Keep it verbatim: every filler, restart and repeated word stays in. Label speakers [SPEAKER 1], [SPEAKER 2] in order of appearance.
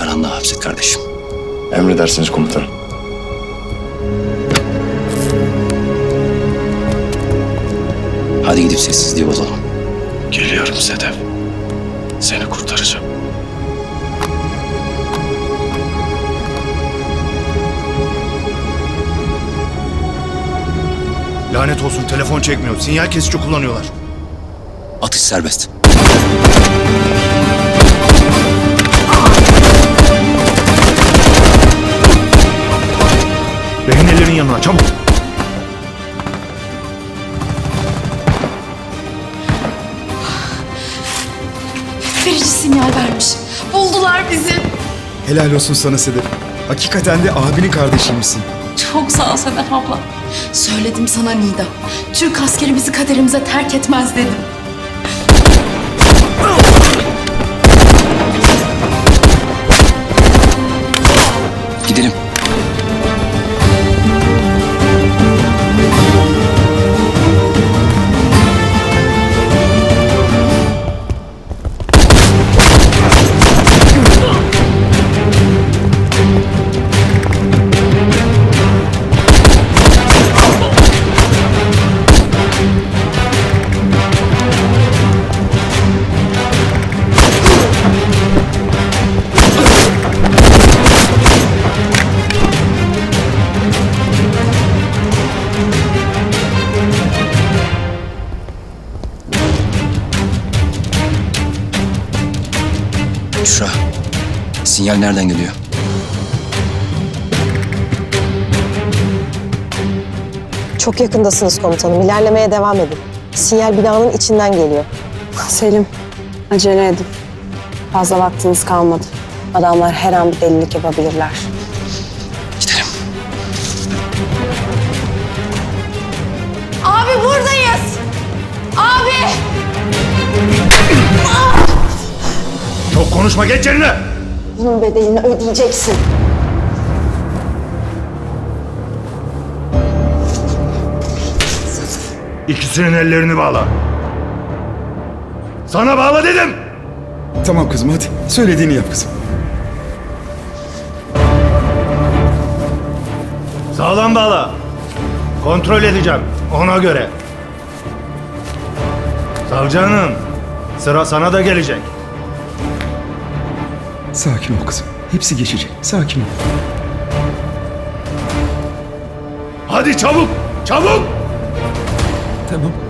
[SPEAKER 1] karanlığa hapset kardeşim.
[SPEAKER 2] Emredersiniz komutanım.
[SPEAKER 1] Hadi gidip sessizliği bozalım.
[SPEAKER 2] Geliyorum Sedef. Seni kurtaracağım.
[SPEAKER 3] Lanet olsun, telefon çekmiyor. Sinyal kesici kullanıyorlar.
[SPEAKER 1] Atış serbest.
[SPEAKER 3] Rehinelerin yanına çabuk.
[SPEAKER 4] Verici sinyal vermiş. Buldular bizi.
[SPEAKER 5] Helal olsun sana Sedef. Hakikaten de abinin kardeşiymişsin.
[SPEAKER 4] Çok sağ ol Sedef abla. Söyledim sana Nida. Türk askeri bizi kaderimize terk etmez dedim.
[SPEAKER 1] Gidelim. Büşra, sinyal nereden geliyor?
[SPEAKER 6] Çok yakındasınız komutanım. İlerlemeye devam edin. Sinyal binanın içinden geliyor.
[SPEAKER 7] Selim, acele edin. Fazla vaktiniz kalmadı. Adamlar her an bir delilik yapabilirler.
[SPEAKER 1] Gidelim.
[SPEAKER 4] Abi buradayız. Abi.
[SPEAKER 3] Çok konuşma, geç yerine.
[SPEAKER 7] Bunun bedelini ödeyeceksin.
[SPEAKER 3] İkisinin ellerini bağla. Sana bağla dedim.
[SPEAKER 5] Tamam kızım hadi. Söylediğini yap kızım.
[SPEAKER 3] Sağlam bağla. Kontrol edeceğim ona göre. Savcı hanım, sıra sana da gelecek.
[SPEAKER 5] Sakin ol kızım. Hepsi geçecek. Sakin ol.
[SPEAKER 3] Hadi çabuk, çabuk.
[SPEAKER 5] Tamam.